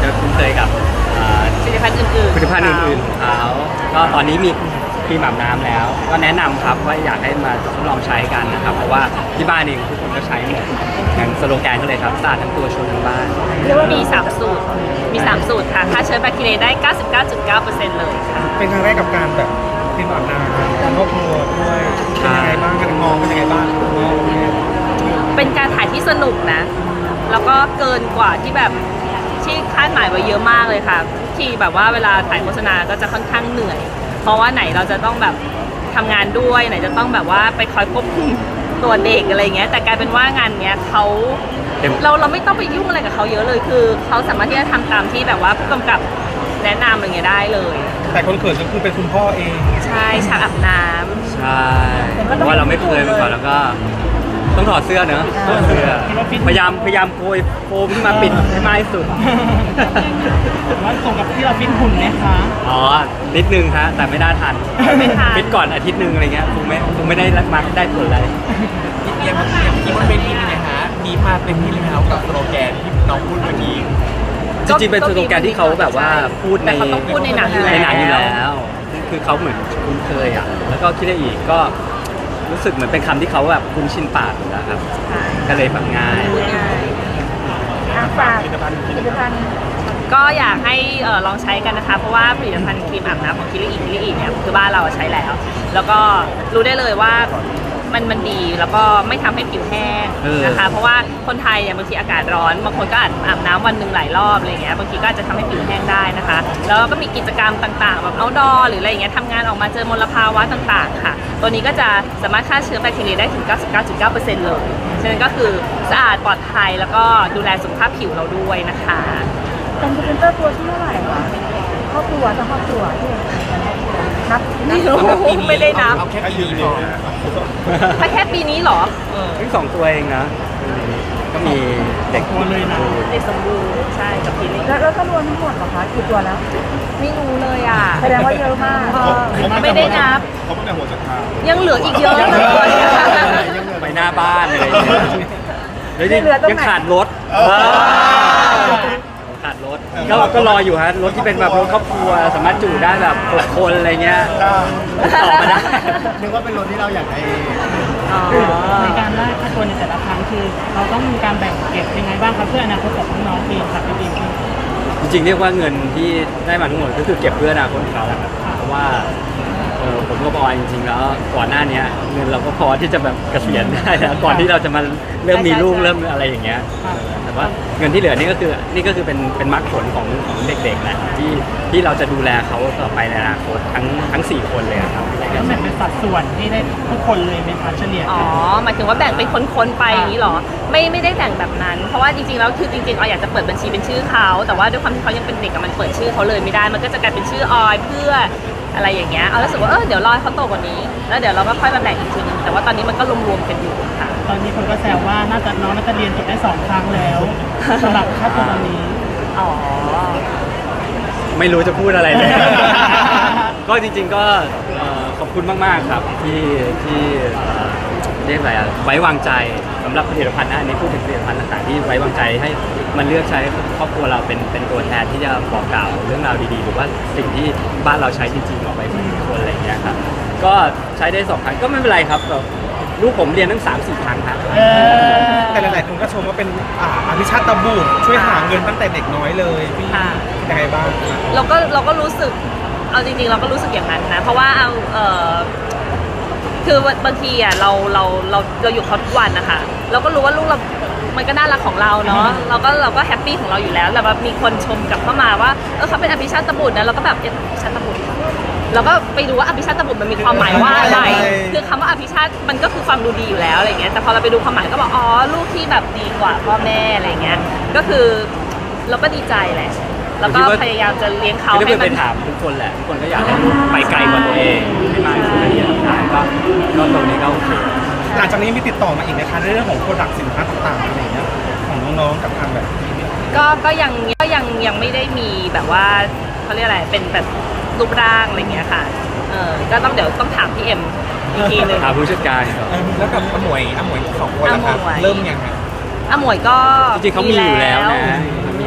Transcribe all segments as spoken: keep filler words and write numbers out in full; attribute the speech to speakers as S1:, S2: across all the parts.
S1: จะคุ้นเคยกับ
S2: ผลิตภัณฑ์อื่นๆ
S1: ผลิตภัณฑ์อื่นๆของเขาก็ตอนนี้มีครีมอาบน้ำแล้วก็แนะนำครับว่าอยากให้มาทดลองใช้กันนะครับเพราะว่าที่บ้านเองทุกคนก็ใช้หมดอย่างสโลแกนก็เลยครับสะอาดทั้งตัวชวนทั้งบ้าน
S2: เรียกว่ามีสามสูตรมีสามสูตรค่ะฆ่าเชื้อแบคทีเรียได้ เก้าสิบเก้าจุดเก้าเปอร์เซ็นต์ เลยค่ะ
S3: เป็นครั้งแรกกับการแบบครีมอาบน้ำครอบครัวด้วยเป็นยังไงบ้างการมองเป็นยังไงบ้าง
S2: เป็นการถ่ายที่สนุกนะแล้วก็เกินกว่าที่แบบที่คาดหมายไว้เยอะมากเลยค่ะที่แบบว่าเวลาถ่ายโฆษณาก็จะค่อนข้างเหนื่อยเพราะว่าไหนเราจะต้องแบบทำงานด้วยไหนจะต้องแบบว่าไปคอยควบคุมตัวเด็กอะไรเงี้ยแต่กลายเป็นว่างานเนี้ยเขาเราเราไม่ต้องไปยุ่งอะไรกับเขาเยอะเลยคือเขาสามารถที่จะทำตามที่แบบว่าผู้กำกับแนะนำอะไรเงี้ยได้เลย
S3: แต่คนเขินก็คือเป็นคุณพ่อเอง
S2: ใช่ฉากอาบน้ำ
S1: ใช่เพราะว่าเราไม่เคยมาก่อนแล้วก็ต้องถอดเสื้อเนอะถอดเสื้อพยายามพยายามโกยโฟมขึ้นมาปิดให้มากที่สุด
S3: ว่าตรงกับที่เราฟิตหุ่นไหมคะ
S1: อ๋อนิดนึงฮะแต่ไม่ได้ทัน
S2: ไม่ทัน
S1: ฟิตก่อนอาทิตย์นึงอะไรเงี้ยคงไม่คงไม่ได้มาได้ผลอะไร
S4: ยังยังคิดว่าเป็นที่นี่นะฮะมีมาเต็มที่แล้วกับสโลแกนที่น้องพูดเมื่อกี้
S1: จริงๆเป็นสโลแกนที่เขาแบบว่าพูดใน
S2: เขาต้องพูดในหนังอยู่
S1: ในหนังอยู่แล้วคือเขาเหมือนคุ้นเคยอ่ะแล้วก็คิดได้อีกก็รู้สึกเหมือนเป็นคำที่เขาแบบคุ้นชินปากอยู่แล้วครับก็เลยแบบง่าย
S2: ง่าย
S3: ฝากผลิตภัณฑ์ผลิตภัณฑ์
S2: ก็อยากให้ลองใช้กันนะคะเพราะว่าผลิตภัณฑ์ครีมอาบน้ำของคิริอิคิริอิเนี่ยคือบ้านเราใช้แล้วแล้วก็รู้ได้เลยว่ามันมันดีแล้วก็ไม่ทำให้ผิวแห้งนะคะเพราะว่าคนไทยเนี่ยบางทีอากาศร้อนบางคนก็อาบอาบน้ำวันหนึ่งหลายรอบอะไรเงี้ยบางทีก็อาจจะทำให้ผิวแห้งได้นะคะแล้วก็มีกิจกรรมต่างๆแบบเอาท์ดอร์หรืออะไรเงี้ยทำงานออกมาเจอมลภาวะต่างๆค่ะตัวนี้ก็จะสามารถฆ่าเชื้อแบคทีเรียได้ถึง เก้าสิบเก้าจุดเก้าเปอร์เซ็นต์ เลยฉะนั้นก็คือสะอาดปลอดภัยแล้วก็ดูแลสุขภาพผิวเราด้วยนะคะ
S5: เป็นพรีเซนเตอร์ตัวที่เท่าไหร่คะครอบครัวทั้งครอบครัวที่นับ
S2: ไม่รู้ไม่ได้นับ
S4: เอาแค่ปีนี้พอ
S2: ถ้าแค่ปีนี้เหรอ
S1: เพิ่งสองตัวเองนะก็มีเด็ก
S3: ตัวเลยนะ
S2: เด็กสมบูรณ์ใช่กับปีนี้
S5: แล้วแล้วก็รวมทั้งหมดเหรอคะกี่ตัวแล้ว
S2: ไม่รู้เลยอ่ะ
S5: แสดงว่าเยอะมาก
S2: ไม่ได้นับ
S3: เขาไม่ได้หัวจะทา
S2: ยังเหลืออีกเยอะเลย
S1: ไปหน้าบ้านอะไรอย่างเงี้ยแล้วยังขาดรถขาดรถก็ก็รออยู่ฮะรถที่เป็นแบบรถครอบครัวสามารถจุได้แบบหกคนอะไรเงี้ยต่อมาได้
S3: นึกว่าเป็นรถที่เราอยากได้
S5: ในการได้ค่าตัวในแต่ละครั้งคือเราต้องมีการแบ่งเก็บยังไงบ้างครับเพื่ออนาคตของน้องๆเองครับพี่บิ๊ก
S1: จริงๆเรียกว่าเงินที่ได้มาทั้งหมดก็คือเก็บเพื่ออนาคตของเขาครับเพราะว่าผมก็บอกจริงๆแล้วก่อนหน้านี้เงินเราก็พอที่จะแบบเกษียณได้แล้วก่อนที่เราจะมาเริ่มมีลูกเริ่มอะไรอย่างเงี้ยแต่ว่าเงินที่เหลือนี่ก็คือนี่ก็คือเป็นเป็นมรรคผลของของเด็กๆแหละที่ที่เราจะดูแลเขาต่อไปในอนาคตทั้งทั้งสี่คนเลยครับ
S5: แล้วแบ่งเป็นสัดส่วนที่ได้ทุกคนเลยเป็นเฉลี่ย
S2: อ๋อหมายถึงว่าแบ่งเป็นคนๆไปอย่างนี้หรอไม่ไม่ได้แบ่งแบบนั้นเพราะว่าจริงๆแล้วคือจริงๆออยอยากจะเปิดบัญชีเป็นชื่อเขาแต่ว่าด้วยความที่เขายังเป็นเด็กมันเปิดชื่อเขาเลยไม่ได้มันก็จะกลายเป็นชื่อออยเพื่ออะไรอย่างเงี้ยเอารู้สึกว่าเออเดี๋ยวรอให้เขาโตกว่านี้แล้วเดี๋ยวเราก็ค่อยมาแบ่งอีกทีนึงแต่ว่าตอนนี้มันก็รวมๆกันอยู่ค่ะ
S5: ตอนนี้คนก็แซวว่าน่าจะน้องน่าจะเรียนจบได้สองครั้งแล้วสำหรับค่าตัวตอนนี้
S2: อ๋อ
S1: ไม่รู้จะพูดอะไรเลยก็จริงๆก็ขอบคุณมากๆครับที่ที่เรียกอะไรอะไว้วางใจสำหรับผลิตภัณฑ์นะอันนี้พูดถึงผลิตภัณฑ์ต่างๆที่ไว้วางใจให้มันเลือกใช้ครอบครัวเราเป็นเป็นตัวแทนที่จะบอกกล่าวเรื่องราวดีๆหรือว่าสิ่งที่บ้านเราใช้จริงๆออกไปถึงคนอะไรอย่างเงี้ยครับก็ใช้ได้สองครั้งก็ไม่เป็นไรครับลูกผมเรียนตั้งสามสี่ครั้งครับ
S3: แต่หลายๆคนก็ชมว่าเป็นอภิชาติตะบูช่วยหาเงินตั้งแต่เด็กน้อยเลยพี่ยังไงบ้าง
S2: เราก็เราก็รู้สึกเอาจริงๆเราก็รู้สึกอย่างนั้นนะเพราะว่าเอาเออคือบางทีอ่ะเราเราเราเราอยู่เขาทุกวันนะคะเราก็รู้ว่าลูกเรามันก็น่ารักของเราเนาะเราก็เราก็แฮปปี้ของเราอยู่แล้วแต่ว่ามีคนชมกลับเข้ามาว่าเออเขาเป็นอภิชาติบุตรนะเราก็แบบอภิชาติบุตรเราก็ไปดูว่าอภิชาติบุตรมันมีความหมายว่าอะไรคือคำว่าอภิชาติมันก็คือความดูดีอยู่แล้วอะไรเงี้ยแต่พอเราไปดูความหมายก็บอกอ๋อลูกที่แบบดีกว่าพ่อแม่อะไรเงี้ยก็คือเราก็ดีใจแหละแล้วก็พยายามจะเลี้ยงเขา
S1: ให้มันไปถามทุกคนแหละทุกคนก็อยากให้ลูกไปไกลกว่าตัวเองให้มากที่สุดละเอียดได้ก็ก็ตรงนี้ก็โอเค
S3: หลังจากนี้มีติดต่อมาอีกนะคะในเรื่องของโปรดักต์สินค้าต่างๆอะไรเงี้ยของน้องๆกับทางแบบ
S2: ก็ก็ยังก็ยังยังไม่ได้มีแบบว่าเขาเรียกอะไรเป็นแบบรูปร่างอะไรเงี้ยค่ะเออก็ต้องเดี๋ยวต้องถามพี่เอ็มอีกทีนึง
S1: ถามผู้จัดการ
S4: แล้วกับอมวยอมวยสองคนละครับเริ่มยังไง
S2: อมวยก็
S1: จริงๆเขามีอยู่แล้วนะมีอยู่แล้ว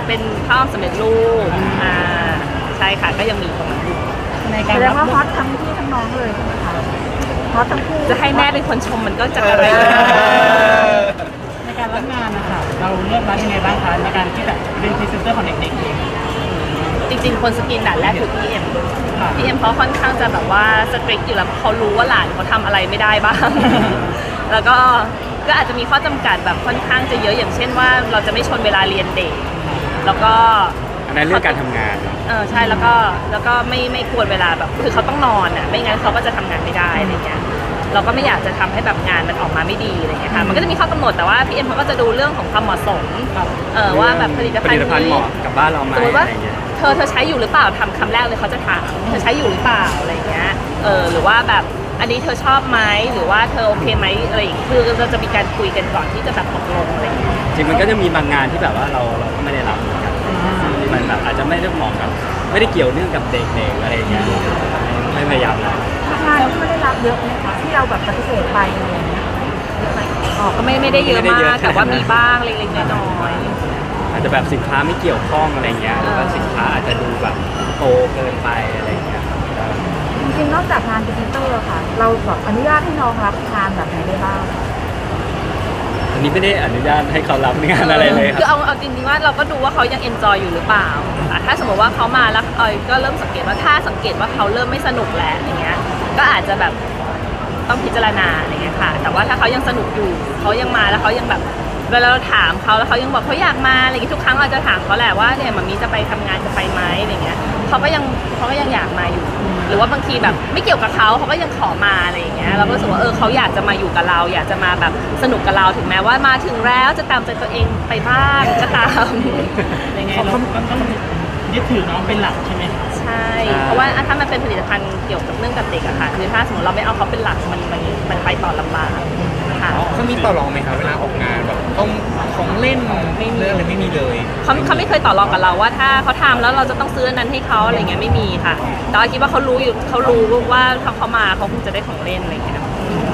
S2: เป็นข้าวสำเร็จรูปอ่าใช่ค่ะก็ยังมีตรงนั้นอยู่
S5: ในการ
S6: แสด
S5: รั
S6: ง
S5: บ
S6: ว่าฮอตทั้งพี่ทั้งน้องเลยใช่ไหมคะฮอตทั้งคู่
S2: จะให้แม่เป็นคนชมมันก็จะอะไร
S5: ในการรับงานนะคะเราเลือกรับยังไงบ้างคะในการที่แบบเป็นพรีเซนเตอร์ของเด็กๆเอง
S2: จริงๆคนสกรีนด่านแรกคือพี่เอ็ม
S5: ค่ะ
S2: พี่เอ็มเขาค่อนข้างจะแบบว่าสตริกอยู่แล้วเขารู้ว่าหลานเขาทำอะไรไม่ได้บ้าง แล้วก็ก็อาจจะมีข้อจำกัดแบบค่อนข้างจะเยอะอย่างเช่นว่าเราจะไม่ชนเวลาเรียนเด็ก แล้วก็
S1: อันนั้นเรื่องการทำงาน
S2: เออใช่แล้วก็แล้วก็ไม่ไม่ควรเวลาแบบคือเขาต้องนอนอ่ะไม่งั้นเขาก็จะทำงานไม่ได้อะไรเงี้ยเราก็ไม่อยากจะทำให้แบบงานมันออกมาไม่ดีอะไรเงี้ยค่ะมันก็จะมีข้อกำหนดแต่ว่าพี่เอ็มเขาก็จะดูเรื่องของความเหมาะสมเออว่าแบบผลิตภัณฑ์
S1: ผลิตภัณฑ์
S2: นี้
S1: เหมาะกับบ้านเราไหม
S2: สมมติว่า
S1: อะไรเงี้ย
S2: เธอเธอใช้อยู่หรือเปล่าทำคำแรกเลยเขาจะถามเธอใช้อยู่หรือเปล่าอะไรเงี้ยเออหรือว่าแบบอันนี้เธอชอบไหมหรือว่าเธอโอเคไหมอะไรอย่างเงี้ยคือเราจะมีการคุยกันก่อนที่จะแบบตกลงอะไรเงี้ย
S1: จริงมันก็จะมีบางงานที่แบบว่าเราเราก็ไม่ได้รับเหมือนกันที่มันแบบอาจจะไม่ได้เหมาะกับไม่ได้เกี่ยวเนื่องกับเด็กๆอะไรอย่างเงี้ยไม่พยายามนะ
S6: งานที่ไม่ได้รับเยอะไหมคะที่เราแบบปฏิเสธไปอะไรอย่างเงี้ย
S2: อ๋อก็ไม่ไม่ได้เยอะมากแต่ว่ามีบ้างเล็กๆน้อย
S1: อาจจะแบบสินค้าไม่เกี่ยวข้องอะไรเงี้ยหรือว่าสินค้าอาจจะดูแบบโตเกินไปอะไรเงี้ย
S6: จริงๆนอกจากงานพรีเซนเตอร์ค่ะ เราแบบอนุญาตให้น้องรับงานแบบไหนได้บ้าง
S1: อันนี้ไม่ได้อนุญาตให้เขารับงานอะไรเลยค
S2: คือ
S1: รับ
S2: เอาเอาจริงๆว่าเราก็ดูว่าเขายังเอนจอยอยู่หรือเปล่าอ่ะถ้าสมมติว่าเขามาแล้วเอยก็เริ่มสังเกตว่าถ้าสังเกตว่าเขาเริ่มไม่สนุกแล้วอย่างเงี้ยก็อาจจะแบบต้องพิจารณาอะไรเงี้ยค่ะ แต่ว่าถ้าเขายังสนุกอยู่เขายังมาแล้วเขายังแบบเวลาเราถามเขาแล้วเขายังบอกเขาอยากมาอะไรอย่างเงี้ยทุกครั้งเราจะถามเขาแหละว่าเนี่ยมันมีจะไปทำงานจะไปไหมอะไรเงี้ยเขาก็ยังเขาก็ยังอยากมาอยู่ หรือว่าบางทีแบบไม่เกี่ยวกับเขาเขาก็ยังขอมาอะไรอย่างเงี้ยเราก็รู้สึกว่าเออเขาอยากจะมาอยู่กับเรา อยากจะมาแบบสนุกกับเราถึงแม้ว่ามาถึงแล้วจะตามใจตัวเองไปบ้างก็ตาม
S5: ยังไงเราก็ต้องยึดถือน้องเป็นหลักใช่ไหมคะ
S2: ใช่ เพราะว่าถ้ามันเป็นผลิตภัณฑ์เกี่ยวกับเรื่องกับเด็กอะค่ะคือถ้าสมมติเราไม่เอาเขาเป็นหลักมันมันมันไปต่อลำบากค่ะ
S4: เขามีต่อรองไหมครับเวลาออกงานแบบต้องของเล่นเรื่องอะไรไม่มีเลย
S2: เขาเขาไม่เคยต่อรองกับเราว่าถ้าเขาทำแล้วเราจะต้องซื้ออันนั้นให้เขาอะไรเงี้ยไม่มีค่ะ แต่ว่าคิดว่าเขารู้อยู่เขารู้ว่าถ้าเขามาเขาคงจะได้ของเล่นอะไรเงี้ย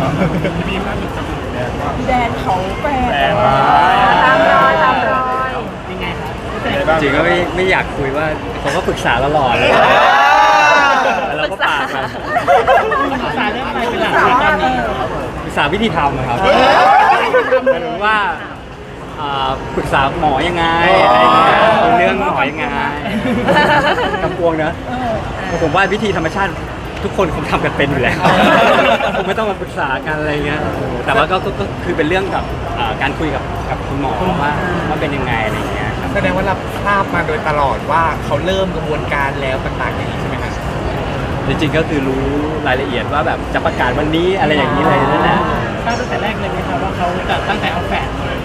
S6: แดนเขาแปล
S1: แปลว่า
S6: ตามรอยตามรอย
S5: ยังไงคะ
S1: จริงก็ไม่ไม่อยากคุยว่าเขาก็ปรึกษาตลอดเลยแล้วเราก็ปากมัน
S5: ปรึกษาเรื่องอะไรเป็นหลักในตอนนี้
S1: ปรึกษาวิธีทำนะครับหมายถึงว่าอ่าปรึกษาหมอยังไงอะไรอย่างเงี้ยเรื่องหมอยังไงกำปวงเนอะผมว่าวิธีธรรมชาติทุกคนคงทำกันเป็นอยู่แล้วคงไม่ต้องมาปรึกษากันอะไรเงี้ยแต่ว่าก็ก็ก็คือเป็นเรื่องกับอ่าการคุยกับกับคุณหมอว่าว่าเป็นยังไงอะไรเงี้ยครับ
S4: แสดงว่ารับทราบมาโดยตลอดว่าเขาเริ่มกระบวนการแล้วต่างๆอย่างนี้ใช่ไหมครับ
S1: จริงๆก็คือรู้รายละเอียดว่าแบบจะประกาศวันนี้อะไรอย่างนี้เลยนั่นแหละ
S5: ทราบตั้งแต่แรกเลยไหมคะว่าเขาจะตั้งแต่เอาแฝดเลย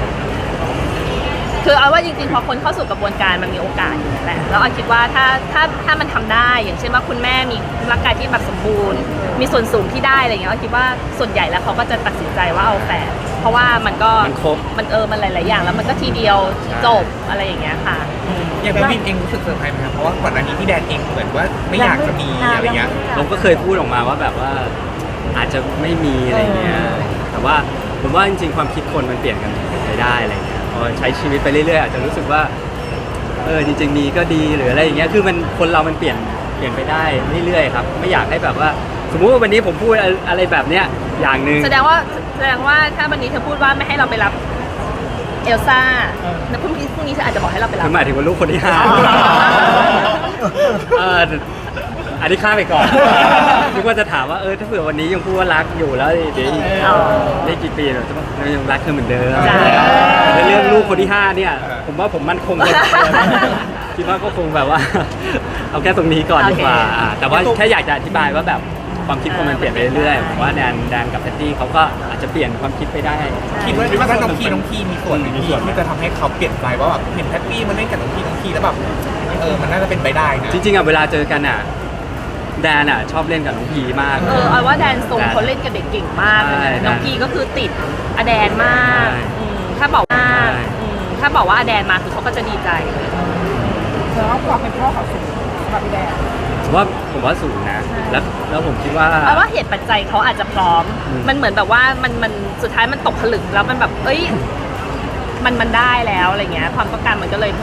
S2: คือเอาว่าจริงๆพอคนเข้าสู่กระบวนการมันมีโอกาสอยู่แล้วแหละแล้วเอาคิดว่าถ้าถ้าถ้ามันทำได้อย่างเช่นว่าคุณแม่มีร่างกายที่แบบสมบูรณ์ มีส่วนสูงที่ได้อะไรเงี้ยเอาคิดว่าส่วนใหญ่แล้วเขาก็จะตัดสินใจว่าเอาแฝดเพราะว่ามันก็
S1: มันครบ
S2: มันเออมันหลายๆอย่างแล้วมันก็ทีเดียวจบอะไรอย่างเงี้ยค่ะ
S4: อย่างพี่บินเองรู้สึกเซอร์ไพรส์ไหมครับเพราะว่าก่อนหน้านี้พี่แดนเองเหมือนว่าไม่อยากจะมีอะไรเงี้ย
S1: ผมก็เคยพูดออกมาว่าแบบว่าอาจจะไม่มีอะไรเงี้ย แต่ว่าผมว่าจริงๆความคิดคนมันเปลี่ยนกันไปได้อะไรเงี้ยพอใช้ชีวิตไปเรื่อยๆอาจจะรู้สึกว่าเออจริงๆมีก็ดีหรืออะไรอย่างเงี้ยคือมันคนเรามันเปลี่ยนเปลี่ยนไปได้เรื่อยๆครับไม่อยากให้แบบว่า สมมุติว่าวันนี้ผมพูดอะไรแบบเนี้ยอย่างหนึ่ง
S2: แสดงว่าแสดงว่าถ้าวันนี้เธอพูดว่าไม่ให้เราไปรับเอลซ่าแล้วพรุ่งนี้พรุ่งนี้เธออาจจะบอกให้เราไปรับ
S1: คือหมายถึงว่าลูกคนที่ห้า
S2: อ๋อ
S1: เอออันนี้ข้ามไปก่อนนึกว่าจะถามว่าเออถ้าเผื่อวันนี้ยังพูดว่ารักอยู่แล้วเดี๋ยวอีก
S2: อ๋อ
S1: ได้กี่ปีเราจะเรายังรักเธอเหมือนเดิม
S2: จ้ะ
S1: แต่เรื่องลูกคนที่ห้าเนี่ย ผมว่าผมมั่นคงกว่าคิดว่าก็คงแบบว่า เอาแค่ตรงนี้ก่อนดีกว่าอ่าแต่ว่าแค่อยากจะอธิบายว่าแบบความคิดคนมันเปลี่ยนไปเรื่อยๆผมว่าแดนแดนกับแพตตี้เขาก็อาจจะเปลี่ยนความคิดไปได้
S4: คิดว่าคิดว่าน้องพีน้องพีมีส่วนไหมพี่ที่จะทำให้เขาเปลี่ยนใจว่าแบบเห็นแพตตี้มันเล่นกับน้องพีน้องพีแล้วแบบเออมันน่าจะเป็นไปได้นะ
S1: จริงๆอ่ะเวลาเจอกันอ่ะแดนอ่ะชอบเล่นกับน้องพีมาก
S2: เออเอาว่าแดนทรงเขาเล่นกับเด็กเก่งมากเลย
S1: ใช่
S2: นะน้องพีก็คือติดอแดนมาก
S1: ใช่
S2: อืมถ้าบอกว่า
S1: ใช่
S2: อืมถ้าบอกว่าอแดนมาคือเขาก็จะดีใจเลย
S6: แล้วความเป็นพ่อเขาสูงสำหรับพี่แดน
S1: ผมว่าผมว่าสูงนะ แล้วแล้วผมคิดว่า
S2: เอาว่าเหตุปัจจัยเขาอาจจะพร้อม
S1: อืม
S2: มันเหมือนแบบว่ามันมันสุดท้ายมันตกผลึกแล้วมันแบบเอ้ยมันมันได้แล้วอะไรเงี้ยความต้องการมันก็เลยเพิ่ม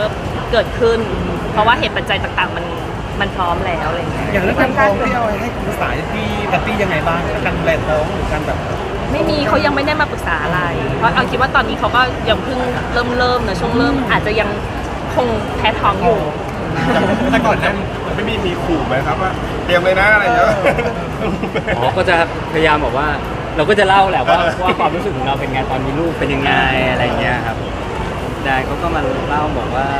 S2: เกิดขึ้น เพราะว่าเหตุปัจจัยต่างๆ มันมันพร้อมแล้วอะไรอย่างเงี้ย
S3: อย่างเรื่องการท้องที่เอาให้คำปรึกษาพี่แพตตี้ยังไงบ้างการดูแลท้องหรือการแบบ
S2: ไม่มีเขายังไม่ได้มาปรึกษาอะไร เพราะเอาคิดว่าตอนนี้เขาก็ยังเพิ่งเริ่มเริ่มนะช่วงเริ่มอาจจะยังคงแพ้ท้องอยู่
S4: แต่ก่อนหนั้น
S7: ไม่มีมีขู่ไหมครับว่าเตรียมเลยนะอะไรอย่างเงี้ย
S1: อ๋อก็จะพยายามบอกว่า เราก็จะเล่าแหละว่าว่าความรู้สึกของเราเป็นไงตอนมีลูกเป็นยังไงอะไรเงี้ยครับแดนเขาก็มาเล่าบอกว่า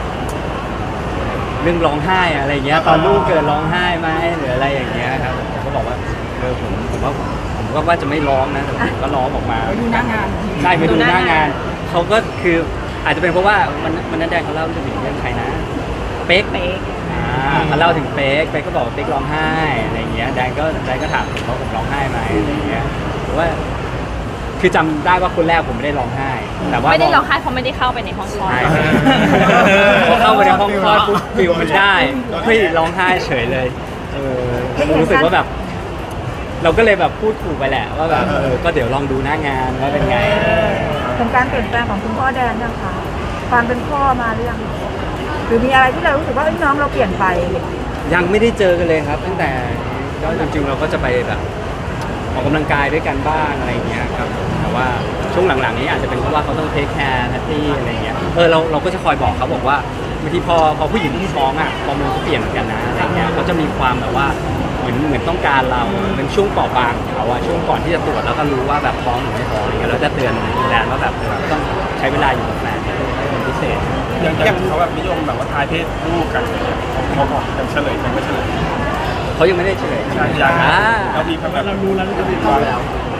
S1: เรื่องร้องไห้อะไรเงี้ยตอนลูกเกิดร้องไห้ไหมหรืออะไรอย่างเงี้ยครับผมก็บอกว่าเออผมผมว่าผมก็ว่าจะไม่ร้องนะแต่ผมก็ร้องออกมา
S5: ไปดูหน้างาน
S1: ใช่ไปดูหน้างาน
S2: ดูหน้างาน
S1: เขาก็คืออาจจะเป็นเพราะว่ามันมันนั้นแดนเขาเล่าเรื่องเรื่องใครนะเป๊ก
S2: เป๊ก
S1: อ่าเขาเล่าถึงเป๊กเป๊กก็บอกว่าเป๊กร้องไห้อะไรเงี้ยแดนก็แดนก็ถามผมว่าผมร้องไห้ไหมอะไรเงี้ยหรือว่า คือจำได้ว่าคนแรกผมไม่ได้ร้องไห้ แต่ว่า
S2: ไม่ได้ร้องไห้เพราะไม่ได้เข้าไปในห้องคลอด
S1: ใช่พอเข้าไปในห้องคลอดปุ๊บฟิลมันได้เฮ้ยร้องไห้เฉยเลยเออรู้สึกว่าแบบ เราก็เลยแบบพูดถูกไปแหละว่าแบบเออก็เดี๋ยวลองดูหน้างานว่าเป็นไง
S6: เป็นการเปลี่ยนแปลงของคุณพ่อแดนยังคะความเป็นพ่อมาหรือยังหรือมีอะไรที่เรารู้สึกว่าเอ้ยน้องเราเปลี่ยนไป
S1: ยังไม่ได้เจอกันเลยครับ ตั้งแต่ก็จริงๆเราก็จะไปแบบออกกำลังกายด้วยกันบ้างอะไรอย่างเงี้ยครับแต่ว่าช่วงหลังๆนี้อาจจะเป็นเพราะว่าเขาต้องเทคแคร์แพตตี้อะไรเงี้ยเออเราเราก็จะคอยบอกเขาบอกว่าบางทีพอพอผู้หญิงที่ท้องอ่ะฮอร์โมนเขาเปลี่ยนเหมือนกันนะอะไรเงี้ยเขาจะมีความแบบว่าเหมือนเหมือนต้องการเราเป็นช่วงเปราะบางของเขาอะช่วงก่อนที่จะตรวจแล้วก็รู้ว่าแบบท้องหรือไม่ท้องอะไรเงี้ยเราจะเตือนแดนว่าแบบเออต้องใช้เวลาอยู่กับแฟนเป็นพิเศษ
S7: อย่างอย่างเขาแบบนิยมแบบว่าทายเพศลูกกันอะไรเงี้ยเขาบอกยังเฉลยยังไม่เฉลย
S1: เขายังไม่ได้เฉลย
S7: ยังยัง
S1: อ่า
S7: เรามีแบบ
S5: เรารู้แล้วเรารู้
S7: มา
S5: แล้
S7: แล้ว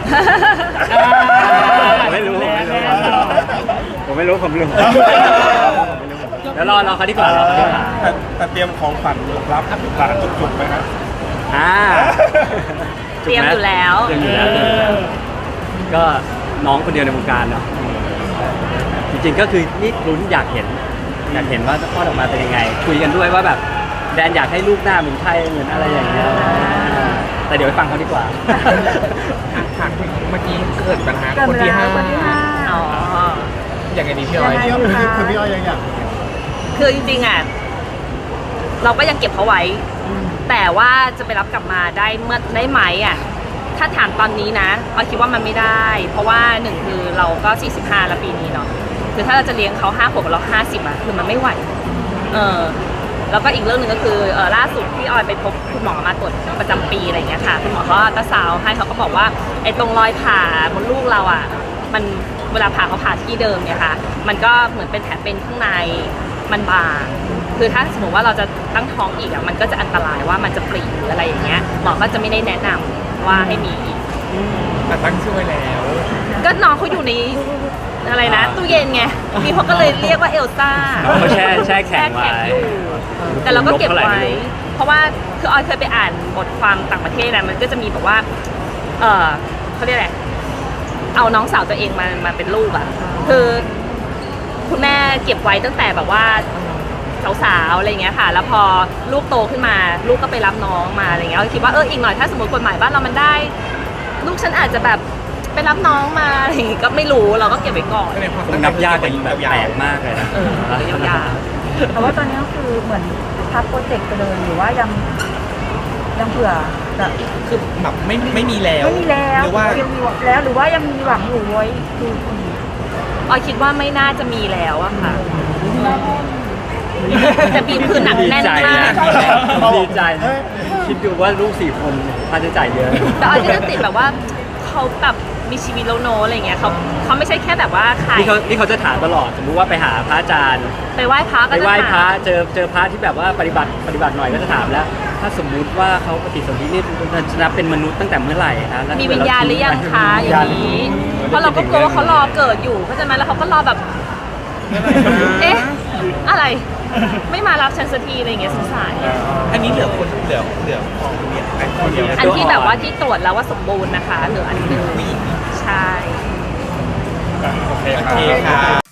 S7: ว
S1: ไม่รู้ผมไม่รู้ผมไม่รู้แล้วรอรอเขาดีกว่ารอเขาดีกว่า
S7: แต่แต่เตรียมของขวัญรับหลานจุกๆไหมครับ
S1: อ่า
S2: เตรียมอยู่แล้ว
S1: เตรียมอยู่แล้วเตรียมอยู่แล้วก็น้องคนเดียวในวงการเนาะจริงๆก็คือนี่ลุ้นอยากเห็นอยากเห็นว่าจะคลอดออกมาเป็นยังไง คุยกันด้วยว่าแบบแดนอยากให้ลูกหน้าเหมือนใครเหมือนอะไรอย่างเงี้ยแต่เดี๋ยวไปฟังเขาดีกว่า
S4: ถามถึงเมื่อกี้เกิดปัญหา
S6: เกิด
S4: คน
S6: เว
S4: ที่
S6: ลา
S4: ห้า
S6: คนที่ห้า
S2: อ๋อ
S4: อย่างไงดีพี่อ้อย
S6: ยังไงดีคะ
S7: คือพี่อ้อยยังอยาก
S2: คือจริงๆอ่ะเราก็ยังเก็บเขาไว้ แต่ว่าจะไปรับกลับมาได้เมื่อได้ไหมอ่ะถ้าถามตอนนี้นะออยคิดว่ามันไม่ได้ เพราะว่าหนึ่งคือเราก็สี่สิบห้าแล้วปีนี้เนาะคือถ้าเราจะเลี้ยงเขาห้าขวบกับเราห้าสิบอ่ะคือมันไม่ไหวเออแล้วก็อีกเรื่องหนึ่งก็คือเออล่าสุดที่ออยไปพบคุณหมอมาตรวจประจำปีอะไรอย่างเงี้ยค่ะคุณหมอเขาอัลตราซาวด์ให้เขาก็บอกว่าไอ้ตรงรอยผ่ามดลูกเราอ่ะมันเวลาผ่าเขาผ่าที่เดิมเนี่ยค่ะมันก็เหมือนเป็นแผลเป็นข้างในมันบางคือถ้าสมมติว่าเราจะตั้งท้องอีกอ่ะมันก็จะอันตรายว่ามันจะปรีหรืออะไรอย่างเงี้ยหมอก็จะไม่ได้แนะนำว่าให้มีอีก
S4: แต่ตั้งชื่อไว้แล้ว
S2: ก็น้องเขาอยู่ในอะไรนะตู้เย็นไงมีเขาก็เลยเรียกว่าเอลซ่า
S1: เขาแช่แช่แข็งไว้
S2: อยู่แต่เราก็เก็บไว้ เพราะว่าคือออยเคยไปอ่านบทความต่างประเทศนะมันก็จะมีแบบว่า เออเขาเรียกอะไรเอาน้องสาวตัวเองมามาเป็นลูกอ่ะคือคุณแม่เก็บไว้ตั้งแต่แบบว่าสาวๆอะไรอย่างเงี้ยค่ะ แล้วพอลูกโตขึ้นมาลูกก็ไปรับน้องมาอะไรเงี้ยเราคิดว่าเอออีกหน่อยถ้าสมมติกฎหมายบ้านเรามันได้ ลูกฉันอาจจะแบบไปรับน้องมาอะไรอย่างงี้ก็ไม่รู้เราก็เก็บไว้ก่อน
S4: ก็เลยความ
S1: มันนับยากกันแบบแปลกมากเลยนะ
S2: เออก็ยาว
S6: แต่ว่าตอนนี้ก็คือเหมือนพับโปรเจกต์ไปเลยหรือว่ายังยังเผื่อแบบ
S4: คือแบบไม่ไม่มีแล้ว
S6: ไม่มีแล้ว
S4: หรือว่า
S6: ยังมีหวังแล้วหรือว่ายังมีหวังอยู่ไว้ดูอีก
S2: ๆออยคิดว่าไม่น่าจะมีแล้วอะค่ะแต่บีมคือหนักแน่นมาก
S1: ดีใจนะคิดดูว่าลูกสี่คนค่าใช้จ่ายเยอะ
S2: แต่ออยก็จะติดแบบว่าเขาแบบมีชีวิตแล้วโนอะไรเงี้ยเขาเขาไม่ใช่แค่แบบว่าขาย
S1: นี่เขานี่เขาจะถามตลอด สมมุติว่าไปหาพระอาจารย์
S2: ไปไหว้พระ
S1: ไป
S2: ก็จะ
S1: ไหว้พระ
S2: ถาม
S1: เจอเจอพระที่แบบว่าปฏิบัติปฏิบัติหน่อยก็จะถามแล้ว ถ้าสมมุติว่าเขาปฏิสนธินี่จะนับเป็นมนุษย์ตั้งแต่เมื่อไหร่คะแล้
S2: มีวิญญาณหรือยังคะอย่างนี้เพราะเราก็กลัวว่าเขารอเกิดอยู่เข้าใจไหมแล้วเขาก็รอแบบ เอ๊ะอะไร ไม่มารับฉันสักทีอะไรอย่างเงี้ยสงสาร
S4: อันนี้เหลือคนเหลือเหลือของเดียวอันคนเดียว
S2: อันที่แบบว่าที่ตรวจแล้วว่าสมบูรณ์นะคะเหลืออันหนึง
S4: ผู้หญิง
S2: ใช่
S7: โอเค
S4: โอ
S7: ครั
S4: เค
S7: บ
S4: ค่ะ